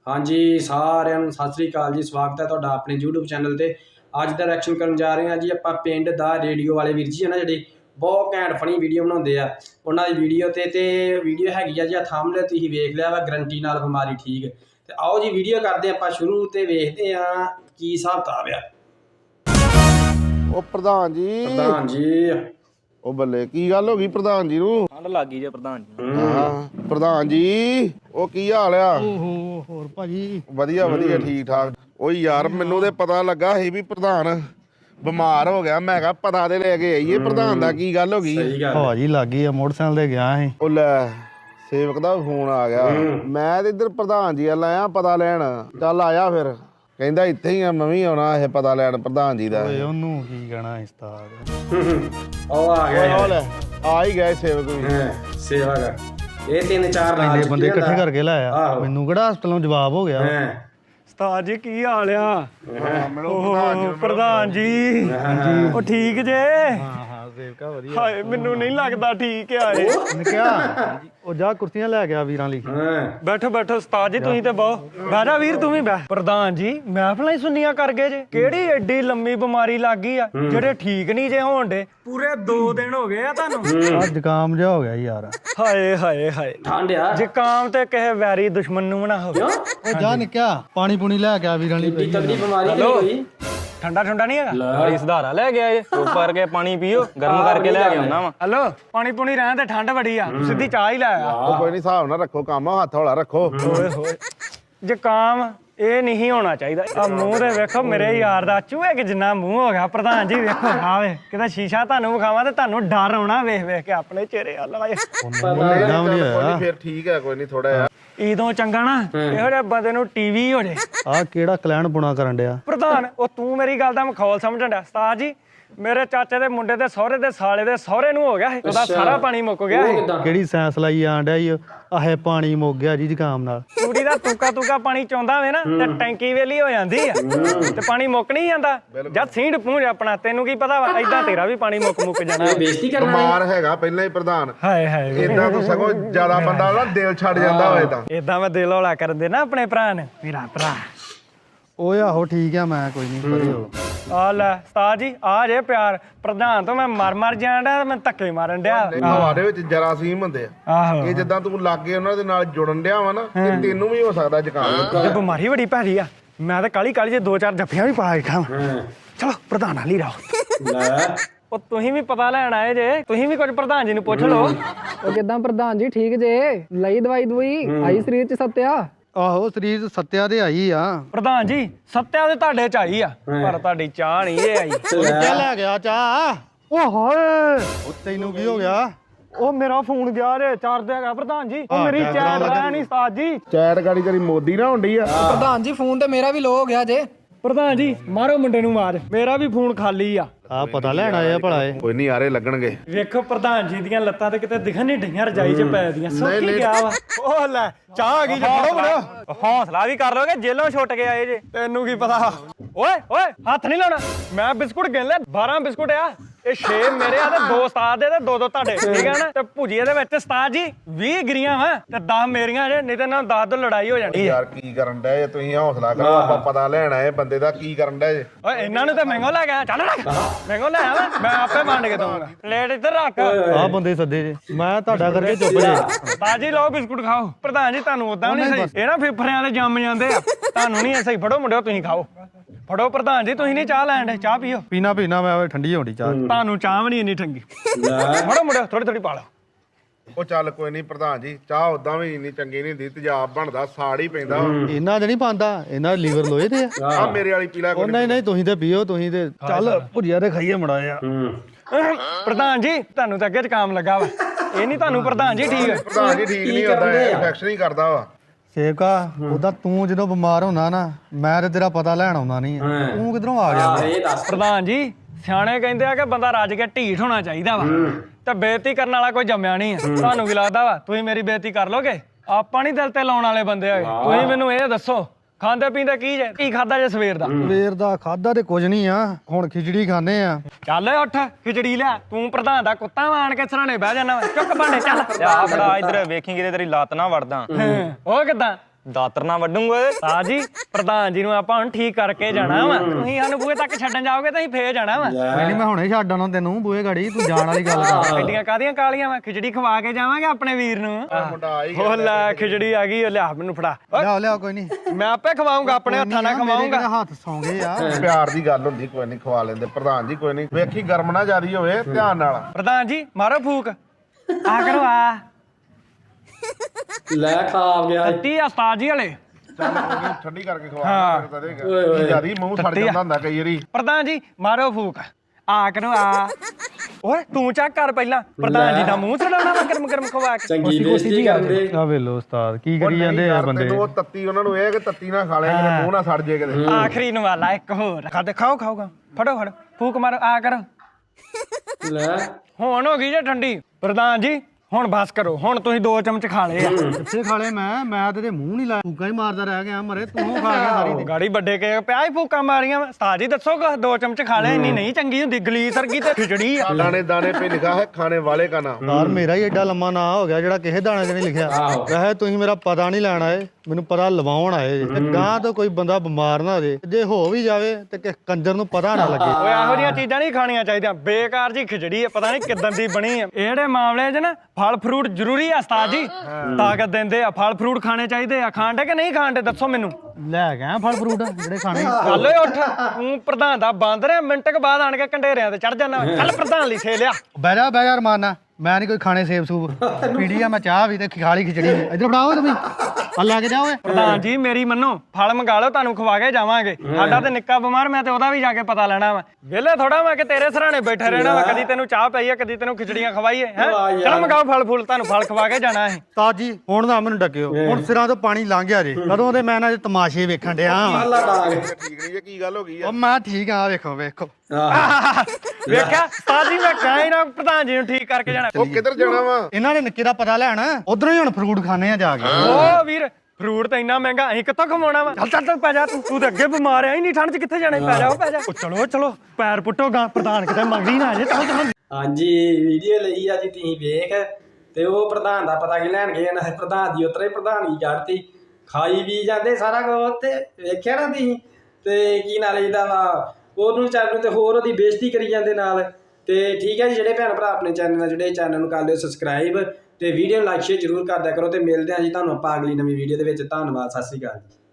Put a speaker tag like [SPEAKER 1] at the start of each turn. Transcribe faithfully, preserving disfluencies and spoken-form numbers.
[SPEAKER 1] ਹਾਂਜੀ ਸਾਰਿਆਂ ਨੂੰ ਸਤਿ ਸ੍ਰੀ ਅਕਾਲ ਜੀ। ਸਵਾਗਤ ਹੈ ਤੁਹਾਡਾ ਆਪਣੇ YouTube ਚੈਨਲ ਤੇ। ਅੱਜ ਦਾ ਰਿਐਕਸ਼ਨ ਕਰਨ ਜਾ ਰਹੇ ਹਾਂ ਜੀ ਆਪਾਂ ਪਿੰਡ ਦਾ ਰੇਡੀਓ ਵਾਲੇ ਵੀਰ ਜੀ ਹੈ ਨਾ, ਜਿਹੜੇ ਬਹੁਤ ਘੈਂਟ ਫਨੀ ਵੀਡੀਓ ਬਣਾਉਂਦੇ ਆ। ਉਹਨਾਂ ਦੀ ਵੀਡੀਓ ਤੇ ਤੇ ਵੀਡੀਓ ਹੈਗੀ ਆ ਜੀ, ਥੰਬਨੇਲ ਤੁਸੀਂ ਵੇਖ ਲਿਆ ਵਾ, ਗਰੰਟੀ ਨਾਲ ਬਿਮਾਰੀ ਠੀਕ। ਤੇ ਆਓ ਜੀ ਵੀਡੀਓ ਕਰਦੇ ਆਪਾਂ ਸ਼ੁਰੂ ਤੇ ਵੇਖਦੇ ਆ ਕੀ ਹਿਸਾਬ ਕਿਤਾਬ ਆ।
[SPEAKER 2] ਉਹ ਪ੍ਰਧਾਨ ਜੀ
[SPEAKER 1] ਪ੍ਰਧਾਨ ਜੀ
[SPEAKER 2] ਉਹ ਬੱਲੇ ਕੀ ਗੱਲ ਹੋ ਗਈ ਪ੍ਰਧਾਨ ਜੀ ਨੂੰ?
[SPEAKER 3] ਠੰਡ ਲੱਗ ਗਈ ਜੇ ਪ੍ਰਧਾਨ ਜੀ।
[SPEAKER 2] ਹਾਂ ਪ੍ਰਧਾਨ ਜੀ ਉਹ ਕੀ ਹਾਲ ਆ?
[SPEAKER 4] ਓਹੋ ਹੋਰ ਭਾਜੀ
[SPEAKER 2] ਵਧੀਆ ਵਧੀਆ ਠੀਕ ਠਾਕ। ਉਹ ਯਾਰ ਮੈਨੂੰ ਤੇ ਪਤਾ ਲੱਗਾ ਸੀ ਵੀ ਪ੍ਰਧਾਨ ਬਿਮਾਰ ਹੋ ਗਿਆ। ਮੈਂ ਕਿਹਾ ਪਤਾ ਤੇ ਲੈ ਕੇ ਆਈਏ ਪ੍ਰਧਾਨ ਦਾ ਕੀ ਗੱਲ ਹੋ ਗਈ।
[SPEAKER 1] ਸਹੀ ਗੱਲ
[SPEAKER 4] ਭਾਜੀ ਲੱਗ ਗਈ ਆ, ਮੋਟਰਸਾਈਕਲ ਤੇ ਗਿਆ ਸੀ।
[SPEAKER 2] ਉਹ ਲੈ ਸੇਵਕ ਦਾ ਫੋਨ ਆ ਗਿਆ। ਮੈਂ ਤੇ ਇੱਧਰ ਪ੍ਰਧਾਨ ਜੀ ਵੱਲ ਆਇਆ ਪਤਾ ਲੈਣ। ਚੱਲ ਆਇਆ ਫਿਰ ਕਹਿੰਦਾ ਇੱਥੇ ਹੀ ਆ, ਮੈਂ ਵੀ ਆਉਣਾ ਇਹ ਪਤਾ ਲੈਣ ਪ੍ਰਧਾਨ ਜੀ ਦਾ।
[SPEAKER 4] ਓਏ ਉਹਨੂੰ ਕੀ ਕਹਿਣਾ ਉਸਤਾਦ।
[SPEAKER 1] ਉਹ ਆ ਗਿਆ
[SPEAKER 2] ਉਹ ਲੈ ਆ ਹੀ ਗਏ ਸੇਵਕ ਵੀ।
[SPEAKER 1] ਹਾਂ ਸੇਵਾ ਕਰ। ਇਹ ਤਿੰਨ ਚਾਰ ਨਾਲ
[SPEAKER 4] ਇੰਨੇ ਬੰਦੇ ਇਕੱਠੇ ਕਰਕੇ ਲਾਇਆ, ਮੈਨੂੰ ਕਿਹੜਾ ਹਸਪਤਾਲੋਂ ਜਵਾਬ ਹੋ ਗਿਆ।
[SPEAKER 3] ਉਸਤਾਦ ਜੀ ਕੀ ਹਾਲ ਆ?
[SPEAKER 2] ਮਿਲੋ
[SPEAKER 3] ਪ੍ਰਧਾਨ ਜੀ ਉਹ ਠੀਕ ਜੇ?
[SPEAKER 4] ਹਾਂ ਹਾਂ ਸੇਵਕਾ ਵਧੀਆ।
[SPEAKER 3] ਹਾਏ ਮੈਨੂੰ ਨਹੀਂ ਲੱਗਦਾ ਠੀਕ ਆ ਇਹ।
[SPEAKER 4] ਉਹਨੇ ਕਿਹਾ ਉਹ ਜਾ ਕੁਰਸੀਆਂ ਲੈ ਗਿਆ ਵੀਰਾਂ ਲਈ।
[SPEAKER 3] ਬੈਠੋ ਬੈਠੋ ਉਸਤਾਦ ਜੀ, ਤੁਸੀਂ ਤੇ ਬਹੁ ਬਹਿ ਵੀਰ, ਤੂੰ ਵੀ ਬਹਿ। ਪ੍ਰਧਾਨ ਜੀ ਮਹਿਫਲਾਂ ਹੀ ਸੁਣੀਆਂ ਕਰ ਗਏ ਜੇ। ਕਿਹੜੀ ਐਡੀ ਲੰਮੀ ਬਿਮਾਰੀ ਲੱਗ ਗਈ ਆ ਜਿਹੜੇ ਠੀਕ ਨਹੀਂ ਜੇ ਹੋਣ ਦੇ? ਪੂਰੇ ਦੋ ਦਿਨ ਹੋ ਗਏ ਆ ਤੁਹਾਨੂੰ।
[SPEAKER 4] ਆ ਜ਼ੁਕਾਮ ਜਿਹਾ ਹੋ ਗਿਆ ਯਾਰ।
[SPEAKER 3] ਹਾਏ ਹਾਏ ਹਾਏ
[SPEAKER 1] ਠੰਡ ਆ
[SPEAKER 3] ਜ਼ੁਕਾਮ ਤੇ ਕਿਸੇ ਵੈਰੀ ਦੁਸ਼ਮਣ ਨੂੰ ਨਾ ਹੋਵੇ।
[SPEAKER 4] ਉਹ ਜਾ ਨਿੱਕਿਆ ਪਾਣੀ ਪੂਣੀ ਲੈ ਕੇ ਆ ਵੀਰਾਂ ਲਈ।
[SPEAKER 1] ਏਡੀ ਤਗੜੀ ਬਿਮਾਰੀ ਨਹੀਂ ਕੋਈ।
[SPEAKER 3] ਠੰਡਾ ਠੰਡਾ ਨਹੀਂ ਹੈਗਾ? ਬੜੀ ਸੁਧਾਰਾ ਲੈ ਗਿਆ ਇਹ। ਚੁੱਪ ਕਰਕੇ ਪਾਣੀ ਪੀਓ, ਗਰਮ ਕਰਕੇ ਲੈ ਕੇ ਆਉਣਾ ਵਾ। ਹਲੋ ਪਾਣੀ ਪੂਣੀ ਰਹਿਣ ਤੇ ਠੰਡ ਬੜੀ ਆ, ਸਿੱਧੀ ਚਾਹ ਹੀ ਲੈ ਆ।
[SPEAKER 2] ਉਹ ਕੋਈ ਨਹੀਂ ਹਿਸਾਬ ਨਾਲ ਰੱਖੋ ਕੰਮ, ਹੱਥ ਹੌਲਾ ਰੱਖੋ।
[SPEAKER 3] ਓਏ ਹੋਏ ਜ਼ੁਕਾਮ ਇਹ ਨਹੀਂ ਹੋਣਾ ਚਾਹੀਦਾ। ਆ ਮੂੰਹ ਤੇ ਵੇਖੋ ਮੇਰੇ ਯਾਰ ਦਾ, ਚੂਹੇ ਕਿ ਜਿੰਨਾ ਮੂੰਹ ਹੋ ਗਿਆ ਪ੍ਰਧਾਨ ਜੀ। ਵੇਖੋ ਆਵੇ ਕਿਤੇ ਸ਼ੀਸ਼ਾ ਤੁਹਾਨੂੰ ਵਿਖਾਵਾਂ ਤੇ ਤੁਹਾਨੂੰ ਡਰ ਆਉਣਾ ਵੇਖ ਵੇਖ ਕੇ ਆਪਣੇ ਚਿਹਰੇ ਵੱਲ। ਆਏ
[SPEAKER 2] ਫਿਰ ਠੀਕ ਹੈ ਕੋਈ ਨਹੀਂ ਥੋੜਾ ਜਿਹਾ।
[SPEAKER 3] ਇਦੋਂ ਚੰਗਾ ਨਾ ਇਹੋ ਜਿਹੇ ਬੰਦੇ ਨੂੰ ਟੀਵੀ ਹੋ ਜੇ।
[SPEAKER 4] ਆ ਕਿਹੜਾ ਕਲੈਣ ਪੁਣਾ ਕਰਨ ਡਿਆ
[SPEAKER 3] ਪ੍ਰਧਾਨ ਉਹ ਤੂੰ ਮੇਰੀ ਗੱਲ ਦਾ ਮਖੌਲ ਸਮਝਣ ਡਿਆ। ਉਸਤਾਦ ਜੀ ਮੇਰੇ ਚਾਚੇ ਦੇ ਮੁੰਡੇ ਦੇ ਸਹੁਰੇ ਦੇ ਸਾਲੇ ਦੇ ਸਹੁਰੇ ਨੂੰ ਹੋ ਗਿਆ ਸੀ, ਉਹਦਾ ਸਾਰਾ ਪਾਣੀ ਮੁੱਕ ਗਿਆ ਸੀ।
[SPEAKER 4] ਕਿਹੜੀ ਸਾਇੰਸ ਲਾਈ ਆਣ ਡਿਆ ਈ। ਆਹੇ ਪਾਣੀ ਮੁੱਕ ਗਿਆ ਜੀ ਜ਼ੁਕਾਮ ਨਾਲ।
[SPEAKER 3] ਟੂਟੀ ਦਾ ਤੁਕਾ ਤੁਕਾ ਪਾਣੀ ਚਾਹੁੰਦਾ ਹੋਵੇ ਨਾ ਤੇ ਟੈਂਕੀ ਵੇਲੀ ਹੋ ਜਾਂਦੀ ਆ ਤੇ ਪਾਣੀ ਮੁੱਕ ਨਹੀਂ ਜਾਂਦਾ। ਜਦ ਸੀਂਡ ਪੂੰਝ ਆਪਣਾ, ਤੈਨੂੰ ਕੀ ਪਤਾ ਵਾ ਏਦਾਂ ਤੇਰਾ ਵੀ ਪਾਣੀ ਮੁੱਕ ਮੁੱਕ ਜਾਣਾ।
[SPEAKER 1] ਬੇਇੱਜ਼ਤੀ ਕਰਨਾ
[SPEAKER 2] ਬਿਮਾਰ ਹੈਗਾ ਪਹਿਲਾਂ ਹੀ ਪ੍ਰਧਾਨ।
[SPEAKER 3] ਹਾਏ ਹਾਏ
[SPEAKER 2] ਇਦਾਂ ਤਾਂ ਸਗੋਂ ਜ਼ਿਆਦਾ ਬੰਦਾ ਨਾ ਦਿਲ ਛੱਡ ਜਾਂਦਾ ਹੋਏ ਤਾਂ।
[SPEAKER 3] ਏਦਾਂ ਮੈਂ ਦਿਲ ਹੌਲਾ ਕਰਨ ਦੇ ਨਾ ਆਪਣੇ ਭਰਾ ਨੇ। ਮੇਰਾ ਭਰਾ
[SPEAKER 4] ਓਏ ਆਹੋ ਠੀਕ ਆ, ਮੈਂ ਕੋਈ ਨਹੀਂ ਪਰੇ ਹੋ।
[SPEAKER 3] ਆ ਲੈ ਉਸਤਾਦ ਜੀ ਆ ਜੇ ਪਿਆਰ ਪ੍ਰਧਾਨ ਤੋਂ ਮੈਂ ਮਰ ਮਰ ਜਾਣ ਡਿਆ, ਮੈਂ ਧੱਕੇ ਮਾਰਨ ਡਿਆ।
[SPEAKER 2] ਹਵਾ ਦੇ ਵਿੱਚ ਜਰਾਸੀਮ ਹੁੰਦੇ ਆ।
[SPEAKER 3] ਆਹੋ
[SPEAKER 2] ਇਹ ਜਿੱਦਾਂ ਤੂੰ ਲਾਗੇ ਉਹਨਾਂ ਦੇ ਨਾਲ ਜੁੜਨ ਡਿਆ ਵਾ ਨਾ, ਇਹ ਤੈਨੂੰ ਵੀ ਹੋ ਸਕਦਾ ਜ਼ੁਕਾਮ।
[SPEAKER 3] ਇਹ ਬਿਮਾਰੀ ਬੜੀ ਭੈੜੀ ਆ। ਮੈਂ ਤਾਂ ਕਾਲੀ ਕਾਲੀ ਜੇ ਦੋ ਚਾਰ ਜੱਫੀਆਂ ਵੀ ਪਾ ਕੇ ਖਾਵਾਂ। ਚਲੋ ਪ੍ਰਧਾਨ ਨਾਲ ਹੀ ਰਹੋ।
[SPEAKER 1] ਲੈ
[SPEAKER 3] ਉਹ ਤੁਸੀਂ ਵੀ ਪਤਾ ਲੈਣ ਆਏ ਜੇ, ਤੁਸੀਂ ਵੀ ਕੁਝ ਪ੍ਰਧਾਨ ਜੀ ਨੂੰ ਪੁੱਛ ਲਓ।
[SPEAKER 5] ਉਹ ਕਿਦਾਂ ਪ੍ਰਧਾਨ ਜੀ ਠੀਕ ਜੇ? ਲਈ ਦਵਾਈ ਦਵਾਈ ਆਈ ਸਰੀਰ ਚ ਸੱਤਿਆ?
[SPEAKER 4] ਆਹੋ ਸਰੀਰ ਸੱਤਿਆ ਦੇ ਆਈ ਆ।
[SPEAKER 3] ਪ੍ਰਧਾਨ ਜੀ ਸੱਤਿਆ ਦੇ ਤੁਹਾਡੇ ਚ ਆਈ ਆ, ਪਰ ਤੁਹਾਡੀ ਚਾਹ ਨਹੀਂ ਇਹ ਆਈ।
[SPEAKER 4] ਕਿਆ ਲੈ ਗਿਆ ਚਾਹ?
[SPEAKER 3] ਓ ਹਾਏ
[SPEAKER 4] ਉਹ ਤੈਨੂੰ ਕੀ ਹੋ ਗਿਆ?
[SPEAKER 3] ਉਹ ਮੇਰਾ ਫੋਨ ਗਿਆ ਜੇ ਚਾਰਜ ਹੈਗਾ ਪ੍ਰਧਾਨ ਜੀ। ਉਹ ਮੇਰੀ ਚੈਟ ਰਹਿ ਨਹੀਂ ਉਸਤਾਦ ਜੀ।
[SPEAKER 2] ਚੈਟ ਗਾੜੀ ਤੇਰੀ ਮੋਦੀ ਨਾ ਹੁੰਦੀ ਆ।
[SPEAKER 5] ਪ੍ਰਧਾਨ ਜੀ ਫੋਨ ਤੇ ਮੇਰਾ ਵੀ ਲੋ ਹੋ ਗਿਆ ਜੇ।
[SPEAKER 3] ਪ੍ਰਧਾਨ ਜੀ ਮਾਰੋ ਮੁੰਡੇ ਨੂੰ ਮਾਰ, ਮੇਰਾ ਵੀ ਫੋਨ ਖਾਲੀ ਆ।
[SPEAKER 4] ਆ ਪਤਾ ਲੈਣ ਆਏ ਆ ਭਲਾ ਇਹ।
[SPEAKER 2] ਕੋਈ ਨਹੀਂ ਆਰੇ ਲੱਗਣਗੇ।
[SPEAKER 3] ਵੇਖੋ ਪ੍ਰਧਾਨ ਜੀ ਦੀਆਂ ਲੱਤਾਂ ਤੇ ਕਿਤੇ ਦਿਖਣ ਨਹੀਂ ਡਈਆਂ ਰਜਾਈ 'ਚ ਪੈ ਦੀਆਂ। ਸੁੱਕੀ ਗਿਆ ਵਾ। ਉਹ ਲੈ ਚਾਹ ਆ ਗਈ ਜੇ, ਫੜੋ ਮੁੰਡਿਓ। ਹੌਸਲਾ ਵੀ ਕਰ ਲੋਗੇ, ਜੇਲੋਂ ਛੁੱਟ ਕੇ ਆਏ ਜੇ। ਤੈਨੂੰ ਕੀ ਪਤਾ? ਓਏ ਓਏ ਹੱਥ ਨਹੀਂ ਲਾਉਣਾ। ਮੈਂ ਬਿਸਕੁਟ ਗਿਣ ਲੈ, ਬਾਰਾਂ ਬਿਸਕੁਟ ਆ। ਇਹ ਛੇ ਮੇਰੇ ਆ ਤੇ ਦੋ ਉਸਤਾਦ ਦੇ ਤੇ ਦੋ ਦੋ ਤੁਹਾਡੇ, ਠੀਕ ਆ ਨਾ? ਤੇ ਭੁਜੀਏ ਦੇ ਵਿੱਚ ਉਸਤਾਦ ਜੀ ਵੀਹ ਗਿਰੀਆਂ ਵਾ ਤੇ ਦਸ ਮੇਰੀਆਂ ਜੇ, ਨਹੀਂ ਤੇ ਇਹਨਾਂ ਦਸ ਤੋਂ ਲੜਾਈ ਹੋ ਜਾਣੀ ਹੈ।
[SPEAKER 2] ਯਾਰ ਕੀ ਕਰਨ ਡਿਆ ਤੁਸੀਂ? ਹੌਸਲਾ ਕਰੋ, ਆਪਾਂ ਪਤਾ ਲੈਣ ਆਏ ਬੰਦੇ ਦਾ ਕੀ ਕਰਨ ਡਿਆ ਜੇ।
[SPEAKER 3] ਓਏ ਇਹਨਾਂ ਨੂੰ ਤੇ ਮਹਿੰਗੋ ਲੈ ਗਿਆ। ਚੱਲ ਰੱਖ ਮਹਿੰਗੋ ਲੈ ਆ, ਮੈਂ ਆਪੇ ਵੰਡ ਕੇ ਦਊਂਗਾ। ਪਲੇਟ ਇੱਧਰ ਰੱਖ।
[SPEAKER 4] ਆ ਬੰਦੇ ਸੱਦੇ ਜੇ, ਮੈਂ ਤੁਹਾਡਾ ਕਰਕੇ ਚੁੱਪ ਜੇ।
[SPEAKER 3] ਉਸਤਾਦ ਜੀ ਲਓ ਬਿਸਕੁਟ ਖਾਓ। ਪ੍ਰਧਾਨ ਜੀ ਤੁਹਾਨੂੰ ਉਦਾਂ ਨਹੀਂ ਸਹੀ, ਇਹ ਨਾ ਫਿਫਰਿਆਂ ਦੇ ਜੰਮ ਜਾਂਦੇ ਆ। ਤੁਹਾਨੂੰ ਨਹੀਂ ਸਹੀ। ਫੜੋ ਮੁੰਡਿਓ ਤੁਸੀਂ ਖਾਓ। ਫੜੋ ਪ੍ਰਧਾਨ ਜੀ, ਤੁਸੀਂ ਨਹੀਂ ਚਾਹ ਲੈਣ ਦੇ, ਚਾਹ ਪੀਓ।
[SPEAKER 4] ਪੀਣਾ ਪੀਣਾ ਮੈਂ ਠੰਡੀ ਹੋਣੀ ਚਾਹ।
[SPEAKER 3] ਤੁਹਾਨੂੰ ਚਾਹ ਵੀ ਨਹੀਂ ਇੰਨੀ ਠੰਗੀ। ਫੜੋ ਮੁੰਡਿਓ ਥੋੜੀ ਥੋੜੀ ਪਾ ਲਓ।
[SPEAKER 2] ਉਹ ਚੱਲ ਕੋਈ ਨਹੀਂ ਪ੍ਰਧਾਨ ਜੀ, ਚਾਹ ਉਦਾਂ ਵੀ ਇੰਨੀ ਚੰਗੀ ਨਹੀਂ ਹੁੰਦੀ, ਤੇਜ਼ਾਬ ਬਣਦਾ, ਸਾੜ ਹੀ ਪੈਂਦਾ।
[SPEAKER 4] ਇਹਨਾਂ ਦੇ ਨਹੀਂ ਪਾਉਂਦਾ, ਇਹਨਾਂ ਦੇ ਲੀਵਰ ਲੋਹੇ ਤੇ ਆ।
[SPEAKER 2] ਆ ਮੇਰੇ ਵਾਲੀ ਪੀਲਾ
[SPEAKER 4] ਉਹ ਨਹੀਂ ਨਹੀਂ ਤੁਸੀਂ ਤੇ ਪੀਓ, ਤੁਸੀਂ ਤੇ ਚੱਲ ਭੁਜੀਆ ਤੇ ਖਾਈਏ ਮੜਾ ਆ।
[SPEAKER 3] ਪ੍ਰਧਾਨ ਜੀ ਤੁਹਾਨੂੰ ਤਾਂ ਅੱਗੇ ਜ਼ੁਕਾਮ ਲੱਗਾ ਵਾ, ਇਹ ਨਹੀਂ ਤੁਹਾਨੂੰ ਪ੍ਰਧਾਨ ਜੀ ਠੀਕ ਹੈ।
[SPEAKER 2] ਪ੍ਰਧਾਨ ਜੀ ਠੀਕ ਨਹੀਂ ਹੁੰਦਾ, ਇਨਫੈਕਸ਼ਨ ਹੀ ਕਰਦਾ ਵਾ।
[SPEAKER 4] ਸੇਵਕਾ ਉਹਦਾ ਤੂੰ ਜਦੋਂ ਬਿਮਾਰ ਹੁੰਦਾ ਨਾ, ਮੈਂ ਤੇ ਤੇਰਾ ਪਤਾ ਲੈਣ ਆਉਂਦਾ ਨਹੀਂ। ਤੂੰ ਕਿਧਰੋਂ ਆ ਗਿਆ?
[SPEAKER 1] ਇਹ ਦੱਸ
[SPEAKER 3] ਪ੍ਰਧਾਨ ਜੀ ਸਿਆਣੇ ਕਹਿੰਦੇ ਆ ਕਿ ਬੰਦਾ ਰੱਜ ਕੇ ਢੀਠ ਹੋਣਾ ਚਾਹੀਦਾ ਵਾ, ਤੇ ਬੇਇੱਜ਼ਤੀ ਕਰਨ ਵਾਲਾ ਕੋਈ ਜੰਮਿਆ ਨਹੀਂ ਹੈ। ਤੁਹਾਨੂੰ ਕੀ ਲੱਗਦਾ ਵਾ ਤੁਸੀਂ ਮੇਰੀ ਬੇਇੱਜ਼ਤੀ ਕਰ ਲੋਗੇ? ਆਪਾਂ ਨਹੀਂ ਦਿਲ ਤੇ ਲਾਉਣ ਵਾਲੇ ਬੰਦੇ ਹੈਗੇ। ਤੁਸੀਂ ਮੈਨੂੰ ਇਹ ਦੱਸੋ ਖਾਂਦੇ ਪੀਂਦੇ ਕੀ ਜੇ? ਕੀ ਖਾਦਾ ਜੇ ਸਵੇਰ ਦਾ?
[SPEAKER 4] ਸਵੇਰ ਦਾ ਖਾਦਾ ਤੇ ਕੁਝ ਨਹੀਂ ਆ, ਹੁਣ ਖਿਚੜੀ ਖਾਣੇ ਆ।
[SPEAKER 3] ਚੱਲ ਉੱਠ ਖਿਚੜੀ ਲਿਆ। ਤੂੰ ਪ੍ਰਧਾਨ ਦਾ ਕੁੱਤਾ ਆਣ ਕੇ ਸਰਾਣੇ ਬਹਿ ਜਾਣਾ। ਚੁੱਕ ਭਾਂਡੇ ਚੱਲ।
[SPEAKER 6] ਆ ਬੜਾ ਇਧਰ ਵੇਖੀ ਕਿਤੇ ਤੇਰੀ ਲੱਤ ਨਾ ਵੜਦਾ।
[SPEAKER 3] ਉਹ ਕਿੱਦਾਂ? ਦਾਤਰ ਨਾ ਵੱਡੂਗਾ ਉਸਤਾਦ ਜੀ ਪ੍ਰਧਾਨ ਜੀ ਨੂੰ ਆਪਾਂ ਹੁਣ ਠੀਕ ਕਰਕੇ ਜਾਣਾ ਵਾ ਤੁਸੀਂ ਸਾਨੂੰ ਬੂਹੇ ਤੱਕ ਛੱਡਣ ਜਾਓਗੇ ਤਾਂ ਅਸੀਂ ਫੇਰ ਜਾਣਾ ਵਾ
[SPEAKER 4] ਕੋਈ ਨਹੀਂ ਮੈਂ ਹੁਣੇ ਛੱਡ ਆਉਣਾ ਤੈਨੂੰ ਬੂਹੇ ਗਾੜੀ ਤੂੰ ਜਾਣ ਵਾਲੀ ਗੱਲ ਕਰ
[SPEAKER 3] ਐਡੀਆਂ ਕਾਹਦੀਆਂ ਕਾਲੀਆਂ ਵਾ ਖਿਚੜੀ ਖਵਾ ਕੇ ਜਾਵਾਂਗੇ ਆਪਣੇ ਵੀਰ ਨੂੰ
[SPEAKER 2] ਮੁੰਡਾ ਆ ਹੀ
[SPEAKER 3] ਉਹ ਲੈ ਖਿਚੜੀ ਆ ਗਈ ਉਹ ਲਿਆ ਮੈਨੂੰ ਫੜਾ
[SPEAKER 4] ਲਿਆ ਲਿਆ ਕੋਈ ਨਹੀਂ
[SPEAKER 3] ਮੈਂ ਆਪੇ ਖਵਾਉਂਗਾ ਆਪਣੇ ਹੱਥਾਂ ਨਾਲ ਖਵਾਉਂਗਾ
[SPEAKER 4] ਹੱਥ ਸੌਂਗੇ ਆ
[SPEAKER 2] ਪਿਆਰ ਦੀ ਗੱਲ ਹੁੰਦੀ ਕੋਈ ਨਹੀਂ ਖਵਾ ਲੈਂਦੇ ਪ੍ਰਧਾਨ ਜੀ ਕੋਈ ਨਹੀਂ ਵੇਖੀ ਗਰਮ ਨਾ ਜਿਆਦੀ ਹੋਵੇ ਧਿਆਨ ਨਾਲ
[SPEAKER 3] ਪ੍ਰਧਾਨ ਜੀ ਮਾਰੋ ਫੂਕ ਆ ਕਰੋ ਆ
[SPEAKER 1] ਲੈ ਖਾ ਗਿਆ
[SPEAKER 3] ਤੀ ਆ ਉਸਤਾਦ ਜੀ ਹਲੇ
[SPEAKER 2] ਚੱਲ ਕੋਈ ਨੀ, ਠੰਡੀ ਕਰਕੇ ਖਵਾ ਦੇ ਜਿਆਦੀ ਮੂੰਹ ਸੜ ਜਾਂਦਾ ਹੁੰਦਾ ਕਈ ਵਾਰੀ
[SPEAKER 3] ਪ੍ਰਧਾਨ ਜੀ ਮਾਰੋ ਫੂਕ ਆ ਕਰੋ ਆ ਓਏ ਤੂੰ ਚੱਕ ਕਰ ਪਹਿਲਾਂ ਪ੍ਰਧਾਨ ਜੀ ਦਾ ਮੂੰਹ ਛਡਾਉਣਾ ਵਾ ਗਰਮ ਗਰਮ ਖਵਾ ਕੇ
[SPEAKER 1] ਚੰਗੀ ਬੇਇੱਜ਼ਤੀ ਕਰਦੇ
[SPEAKER 4] ਆ ਵੇਲੋ ਉਸਤਾਦ ਕੀ
[SPEAKER 2] ਉਹ
[SPEAKER 4] ਕਰੀ
[SPEAKER 2] ਨਹੀਂ
[SPEAKER 4] ਜਾਂਦੇ ਆ
[SPEAKER 2] ਯਾਰ,
[SPEAKER 4] ਬੰਦੇ
[SPEAKER 2] ਤੈਨੂੰ ਉਹ ਤੱਤੀ ਉਹਨਾਂ ਨੂੰ ਇਹ ਕਿ ਤੱਤੀ ਨਾ ਖਾ ਲਿਆ ਕਿਤੇ ਮੂੰਹ ਨਾ ਸੜ ਜੇ ਕਿਤੇ
[SPEAKER 3] ਆਖਰੀ ਨੂੰ ਵਾਲਾ ਇੱਕ ਹੋਰ ਖਾ ਦੇ ਖਾਓ ਖਾਓਗਾ ਫੜੋ ਫੜੋ ਫੂਕ ਮਾਰੋ ਆ ਕਰੋ
[SPEAKER 1] ਲੈ
[SPEAKER 3] ਹੁਣ ਹੋ ਗਈ ਜੇ ਠੰਡੀ ਪ੍ਰਧਾਨ ਜੀ ਹੁਣ ਬਸ ਕਰੋ ਹੁਣ ਤੁਸੀਂ ਦੋ ਚਮਚ ਖਾ ਲਏ ਆ
[SPEAKER 4] ਕਿੱਥੇ ਖਾ ਲਏ ਮੈਂ ਮੈਂ ਤੇ ਮੂੰਹ ਨਹੀਂ ਲਾਇਆ ਫੂਕਾ ਹੀ ਮਾਰਦਾ ਰਹਿ ਗਿਆ ਮਰੇ ਤੂੰ ਖਾ ਗਿਆ ਸਾਰੀ ਦੀ
[SPEAKER 3] ਗਾੜੀ ਵੱਡੇ ਕੇ ਪਿਆ ਹੀ ਫੂਕਾਂ ਮਾਰੀਆਂ ਉਸਤਾਦ ਜੀ ਦੱਸੋ ਕੁਛ, ਦੋ ਚਮਚ ਖਾ ਲਿਆ ਇੰਨੀ ਨਹੀਂ ਚੰਗੀ ਹੁੰਦੀ ਗਲੀ ਸਰਗੀ ਤੇ ਖਿਚੜੀ ਆ
[SPEAKER 2] ਦਾਣੇ ਦਾਣੇ पे लिखा है खाने वाले का नाम
[SPEAKER 4] ਯਾਰ ਮੇਰਾ ਹੀ ਐਡਾ ਲੰਮਾ ਨਾਂ ਹੋ ਗਿਆ ਜਿਹੜਾ ਕਿਸੇ ਦਾਣੇ 'ਚ ਨਹੀਂ ਲਿਖਿਆ ਵੈਸੇ ਤੁਸੀਂ ਮੇਰਾ ਪਤਾ ਨਹੀਂ ਲੈਣ ਆਏ ਮੈਨੂੰ ਪਤਾ ਲਵਾਉਣ ਆਏ ਜੇ ਤੇ ਗਾਂ ਤੋਂ ਕੋਈ ਬੰਦਾ ਬਿਮਾਰ ਨਾ ਹੋ ਜੇ ਜੇ ਹੋ ਵੀ ਜਾਵੇ ਤੇ ਕਿਸ ਕੰਜਰ ਨੂੰ ਪਤਾ ਨਾ ਲੱਗੇ
[SPEAKER 3] ਓਏ ਇਹੋ ਜਿਹੀਆਂ ਚੀਜ਼ਾਂ ਨਹੀਂ ਖਾਣੀਆਂ ਚਾਹੀਦੀਆਂ ਬੇਕਾਰ ਜੀ ਖਿਚੜੀ ਆ ਪਤਾ ਨਹੀਂ ਕਿੱਦਾਂ ਦੀ ਬਣੀ ਆ ਇਹ ਜਿਹੜੇ ਮਾਮਲੇ 'ਚ ਨਾ ਫਲ ਫਰੂਟ ਜ਼ਰੂਰੀ ਆ ਉਸਤਾਦ ਜੀ ਤਾਕਤ ਦਿੰਦੇ ਆ ਫਲ ਫਰੂਟ ਖਾਣੇ ਚਾਹੀਦੇ ਆ ਖਾਣ ਦੇ ਕਿ ਨਹੀਂ ਖਾਣ ਦੇ ਦੱਸੋ ਮੈਨੂੰ
[SPEAKER 4] ਲੈ ਗਿਆ ਫਲ ਫਰੂਟ ਜਿਹੜੇ ਖਾਣੇ
[SPEAKER 3] ਚੱਲ ਓਏ ਉੱਠ ਤੂੰ ਪ੍ਰਧਾਨ ਦਾ ਬਾਂਦਰ ਆ ਮਿੰਟ ਕੁ ਬਾਅਦ ਆਣ ਕੇ ਕੰਡੇਰਿਆਂ ਤੇ ਚੜ ਜਾਣਾ ਚੱਲ ਪ੍ਰਧਾਨ ਲਈ ਸੇ ਲਿਆ
[SPEAKER 4] ਬਹਿ ਜਾ ਬਹਿ ਜਾ ਰਮਾਨਾ ਮੈਂ ਨਹੀਂ ਕੋਈ ਖਾਣੇ ਸੇਬ ਸੂਬ ਪੀੜੀ ਆ ਮੈਂ ਚਾਹ ਵੀ ਤੇ ਖਾਲੀ ਖਿਚੜੀ ਵੀ। ਇੱਧਰ ਫੜਾਓ ਤੁਸੀਂ ਆ ਲੈ ਕੇ ਜਾਓ ਓਏ
[SPEAKER 3] ਪ੍ਰਧਾਨ ਜੀ ਮੇਰੀ ਮੰਨੋ ਫਲ ਮੰਗਾ ਲਓ ਤੁਹਾਨੂੰ ਖਵਾ ਕੇ ਜਾਵਾਂਗੇ ਸਾਡਾ ਤੇ ਨਿੱਕਾ ਬਿਮਾਰ ਮੈਂ ਤੇ ਉਹਦਾ ਵੀ ਜਾ ਕੇ ਪਤਾ ਲੈਣਾ ਵਾ ਵਿਹਲੇ ਥੋੜਾ ਵਾ ਕਿ ਤੇਰੇ ਸਰਾਣੇ ਬੈਠੇ ਰਹਿਣਾ ਵਾ ਕਦੀ ਤੈਨੂੰ ਚਾਹ ਪਈ ਆ ਕਦੀ ਤੈਨੂੰ ਖਿਚੜੀਆਂ ਖਵਾਈਏ ਹੈ ਚਲੋ ਮੰਗਾਓ ਫਲ ਫੁੱਲ ਤੁਹਾਨੂੰ ਫਲ ਖਵਾ ਕੇ ਜਾਣਾ ਹੈ
[SPEAKER 4] ਤਾਜ ਜੀ ਹੁਣ ਨਾ ਮੈਨੂੰ ਡੱਕਿਓ ਹੁਣ ਸਿਰਾਂ ਤੋਂ ਪਾਣੀ ਲੰਘ ਗਿਆ ਜੇ ਕਦੋਂ ਦੇ ਮੈਂ ਇਹਨਾਂ ਦੇ ਤਮਾਸ਼ੇ ਵੇਖਣ ਡਿਆ ਵਾਂ।
[SPEAKER 1] ਅੱਲਾ ਡਾਂਗ
[SPEAKER 2] ठीक नहीं है की गल हो गई
[SPEAKER 4] ਉਹ ਮੈਂ ਠੀਕ ਆ ਵੇਖੋ ਵੇਖੋ
[SPEAKER 3] ਵੇਖਿਆ ਸਾਜੀ ਮੈਂ ਕਹਾਂ ਨਾ ਪ੍ਰਧਾਨ ਜੀ ਨੂੰ ਠੀਕ ਕਰਕੇ ਜਾਣਾ
[SPEAKER 2] ਉਹ ਕਿੱਧਰ ਜਾਣਾ ਵਾ
[SPEAKER 4] ਇਹਨਾਂ ਨੇ ਨਿੱਕੇ ਦਾ ਪਤਾ ਲੈਣਾ ਉਧਰੋਂ ਹੀ ਹੁਣ ਫਰੂਟ ਖਾਣੇ ਆ ਜਾ ਕੇ
[SPEAKER 3] ਓ ਵੀਰ ਫਰੂਟ ਤਾਂ ਇੰਨਾ ਮਹਿੰਗਾ ਅਸੀਂ ਕਿੱਥੋਂ ਖਵਾਉਣਾ ਵਾ ਚੱਲ ਚੱਲ ਚੱਲ ਪੈ ਜਾ ਤੂੰ ਤੂੰ ਤਾਂ ਅੱਗੇ ਬਿਮਾਰ ਆ ਇੰਨੀ ਠੰਡ 'ਚ ਕਿੱਥੇ ਜਾਣਾ ਪੈ ਜਾ ਪੈ ਜਾ ਉਹ ਚਲੋ ਚਲੋ ਪੈਰ ਪੁੱਟੋ ਗਾ ਪ੍ਰਧਾਨ ਕਿਤੇ ਮੰਗਲੀ ਨਾ ਆ ਜੇ ਚੱਲ ਚੱਲ
[SPEAKER 1] ਹਾਂਜੀ ਵੀਡੀਓ ਲਈ ਆ ਜੀ ਤੁਸੀਂ ਵੇਖ ਤੇ ਉਹ ਪ੍ਰਧਾਨ ਦਾ ਪਤਾ ਕੀ ਲੈਣ ਗਏ ਨਾ ਪ੍ਰਧਾਨ ਦੀ ਉਤਰੇ ਪ੍ਰਧਾਨਗੀ ਕੱਢਤੀ ਖਾਈ ਵੀ ਜਾਂਦੇ ਸਾਰਾ ਕੁਝ ਤੇ ਵੇਖਿਆ ਨਾ ਤੁਸੀਂ ਤੇ ਕੀ ਨਾਲ ਇਹਦਾ ਵਾ ਉਹਨੂੰ ਚੈਨਲ ਨੂੰ ਤੇ ਹੋਰ ਉਹਦੀ ਬੇਇੱਜ਼ਤੀ ਕਰੀ ਜਾਂਦੇ ਨਾਲ ਤੇ ਠੀਕ ਹੈ ਜੀ ਜਿਹੜੇ ਭੈਣ ਭਰਾ ਆਪਣੇ ਚੈਨਲ ਨਾਲ ਜਿਹੜੇ ਚੈਨਲ ਨੂੰ ਕਰ ਲਿਓ ਸਬਸਕ੍ਰਾਈਬ ਤੇ ਵੀਡੀਓ ਨੂੰ ਲਾਈਕ ਸ਼ੇਅਰ ਜ਼ਰੂਰ ਕਰਦਿਆ ਕਰੋ ਤੇ ਮਿਲਦੇ ਹਾਂ ਜੀ ਤੁਹਾਨੂੰ ਆਪਾਂ ਅਗਲੀ ਨਵੀਂ ਵੀਡੀਓ ਦੇ ਵਿੱਚ ਧੰਨਵਾਦ ਸਤਿ ਸ਼੍ਰੀ ਅਕਾਲ ਜੀ।